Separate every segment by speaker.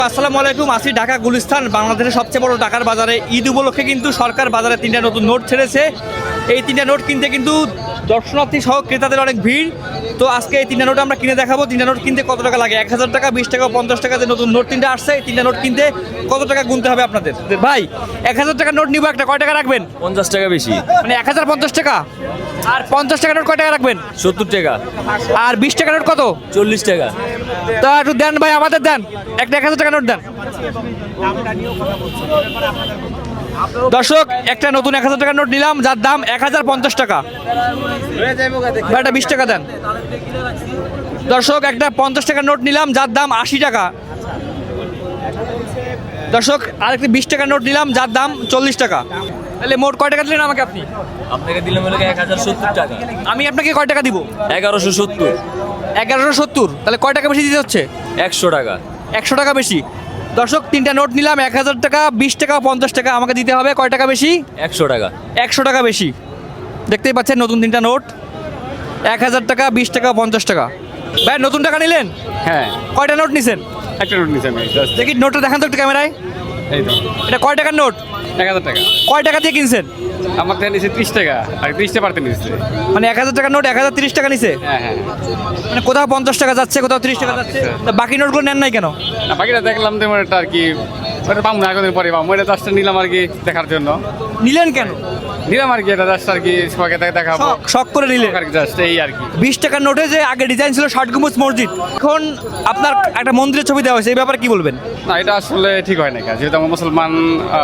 Speaker 1: আসসালামু আলাইকুম। আসি ঢাকা গুলিস্তান, বাংলাদেশের সবচেয়ে বড় টাকার বাজারে। ঈদ উপলক্ষে কিন্তু সরকার বাজারে 3টা নতুন নোট ছেড়েছে। এই 3টা নোট কিনতে কিন্তু দর্শনার্থী সহ ক্রেতাদের অনেক ভিড়। তো আজকে এই 3টা নোট আমরা কিনে দেখাবো। 3টা নোট কিনতে কত টাকা লাগে, 1000 টাকা, 20 টাকা, 50 টাকা। যে নতুন নোট 3টা আসছে, এই 3টা নোট কিনতে কত টাকা গুনতে হবে আপনাদের? ভাই 1000 টাকার নোট নিবো একটা, কয় টাকা রাখবেন?
Speaker 2: 50 টাকা বেশি।
Speaker 1: মানে 1050 টাকা। আর 50 টাকার নোট কয় টাকা রাখবেন?
Speaker 2: 70 টাকা।
Speaker 1: আর 20 টাকার নোট কত?
Speaker 2: 40 টাকা।
Speaker 1: তা একটু দেন ভাই, আমাদের দেন একটা 1000 টাকা নোট দেন। দর্শক, একটা নতুন 1000 টাকার নোট নিলাম, যার দাম 1050 টাকা। ভাই একটা 20 টাকা দেন। দর্শক, একটা 50 টাকার নোট নিলাম, যার দাম 80 টাকা। দর্শক, আরেকটি 20 টাকার নোট নিলাম, যার দাম 40 টাকা। তাহলে মোট কয় টাকা দিলেন আমাকে আপনি?
Speaker 2: আপনাকে দিলাম হলো 1070 টাকা।
Speaker 1: আমি আপনাকে কয় টাকা দিব?
Speaker 2: 1170।
Speaker 1: 1170। তাহলে কয় টাকা বেশি দিতে হচ্ছে?
Speaker 2: 100 টাকা।
Speaker 1: 100 টাকা বেশি। দর্শক, 3টা নোট নিলাম, 1000 টাকা, 20 টাকা, 50 টাকা। আমাকে দিতে হবে কয় টাকা বেশি?
Speaker 2: 100 টাকা।
Speaker 1: 100 টাকা বেশি। দেখতেই পাচ্ছেন নতুন 3টা নোট, 1000 টাকা, 20 টাকা, 50 টাকা। ভাই নতুন টাকা নিলেন?
Speaker 3: হ্যাঁ,
Speaker 1: কয়টা নোট নিছেন?
Speaker 3: একটা নোট নিচ্ছি আমি জাস্ট।
Speaker 1: দেখি নোটটা দেখান তো একটু ক্যামেরায়।
Speaker 3: এই তো
Speaker 1: এটা কয় টাকার নোট?
Speaker 3: 1000 টাকা।
Speaker 1: কয় টাকা দিয়ে কিনছেন?
Speaker 3: আমার থেকে নিচ্ছে 30 টাকা, আর 30টা পারতে নিচ্ছে।
Speaker 1: মানে 1000 টাকার নোট 1030 টাকা নিছে।
Speaker 3: হ্যাঁ হ্যাঁ।
Speaker 1: মানে কোথাও 50 টাকা যাচ্ছে, কোথাও 30 টাকা যাচ্ছে। তা বাকি নোটগুলো নেন নাই কেন?
Speaker 3: না, বাকিটা দেখলাম তো এটা আর কি, ওটা পাবো না, একদিন পরে পাবো। এটা জাস্ট নিলাম আর কি দেখার জন্য।
Speaker 1: নিলেন কেন?
Speaker 3: নিলাম আর কি, এটা জাস্ট আর কি সবাইকে দেখাবো
Speaker 1: শখ করে নিলেন
Speaker 3: আর কি, জাস্ট এই আর কি।
Speaker 1: 20 টাকার নোটে যে আগে ডিজাইন ছিল ষাট গম্বুজ মসজিদ, এখন আপনার একটা মন্দিরের ছবি দেওয়া হয়েছে, এই ব্যাপারে কি বলবেন?
Speaker 3: না, এটা আসলে ঠিক হয় না, যেহেতু আমরা মুসলমান,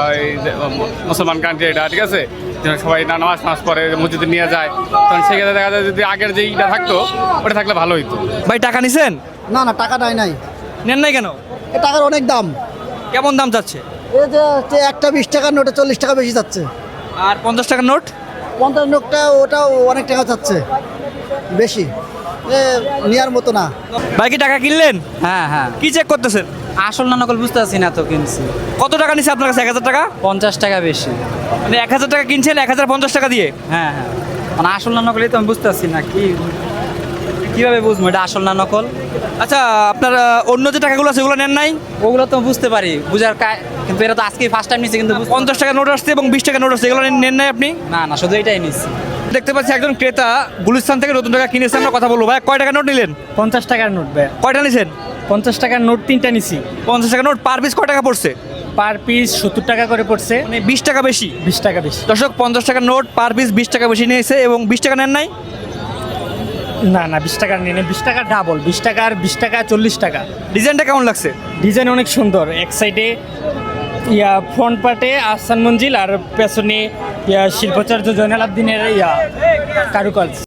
Speaker 3: মুসলমান কান্ট্রি এটা, ঠিক আছে। যেন সবাই নামাজ পড়ে মসজিদে নিয়ে যায়, তখন সেক্ষেত্রে দেখা যায় যদি আগের যে ইটা থাকতো ওটা থাকলে ভালো হইতো।
Speaker 1: ভাই টাকা নিছেন?
Speaker 4: না না, টাকা দেয় নাই।
Speaker 1: নেন নাই কেন?
Speaker 4: এ টাকার অনেক দাম।
Speaker 1: কেমন দাম যাচ্ছে?
Speaker 4: এই যে একটা 20 টাকার নোটে 40 টাকা বেশি যাচ্ছে।
Speaker 1: আর 50 টাকার নোট?
Speaker 4: 50 নোটটা ওটাও অনেক টাকা যাচ্ছে বেশি, এ নেওয়ার মতো না।
Speaker 1: ভাই কি টাকা কিনলেন?
Speaker 5: হ্যাঁ হ্যাঁ,
Speaker 1: কি চেক করতেছেন?
Speaker 5: আসল না নকল বুঝতে পারছি না তো, কিনছি।
Speaker 1: কত টাকা নিছে আপনার কাছে? 1000 টাকা।
Speaker 5: 50 টাকা বেশি।
Speaker 1: মানে 1000 টাকা কিনছেন 1050 টাকা দিয়ে।
Speaker 5: হ্যাঁ হ্যাঁ, মানে আসল না নকলই তো আমি বুঝতে পারছি না, কিভাবে বুঝবো এটা আসল না নকল?
Speaker 1: আচ্ছা, আপনার অন্য যে টাকাগুলো আছে ওগুলো নেন নাই?
Speaker 5: ওগুলো তো বুঝতে পারি, কিন্তু এটা তো আজকে ফার্স্ট টাইম নিচ্ছি, কিন্তু
Speaker 1: 50 টাকা নোট আসছে এবং 20 টাকা নোট আসছে, এগুলো নেন নাই আপনি?
Speaker 5: না না, শুধু এটাই নিচ্ছি।
Speaker 1: দেখতে পাচ্ছি একজন ক্রেতা গুলিস্তান থেকে নতুন টাকা কিনেছে, আমরা কথা বলবো। ভাই কয় টাকা নোট নিলেন?
Speaker 6: 50 টাকার নোট ভাই।
Speaker 1: কয়টা নিছেন?
Speaker 6: 50 টাকার নোট 3টা নিছি।
Speaker 1: 50 টাকা নোট পার পিস কয় টাকা পড়ছে?
Speaker 6: পার পিস 70 টাকা করে পড়ছে,
Speaker 1: মানে 20 টাকা বেশি।
Speaker 6: 20 টাকা বেশি।
Speaker 1: দর্শক, 50 টাকার নোট পার পিস 20 টাকা বেশি নিয়েছে এবং 20 টাকা নেন নাই?
Speaker 6: না না, 20 টাকার নিয়ে 20 টাকা ডাবল, 20 টাকার 20 টাকা 40 টাকা।
Speaker 1: ডিজাইনটা কেমন লাগছে?
Speaker 6: ডিজাইন অনেক সুন্দর। এক সাইডে ফ্রন্ট পার্টে আহসান মঞ্জিল, আর পেছনে শিল্পাচার্য জয়নাল আবদিনের কারুকাজ।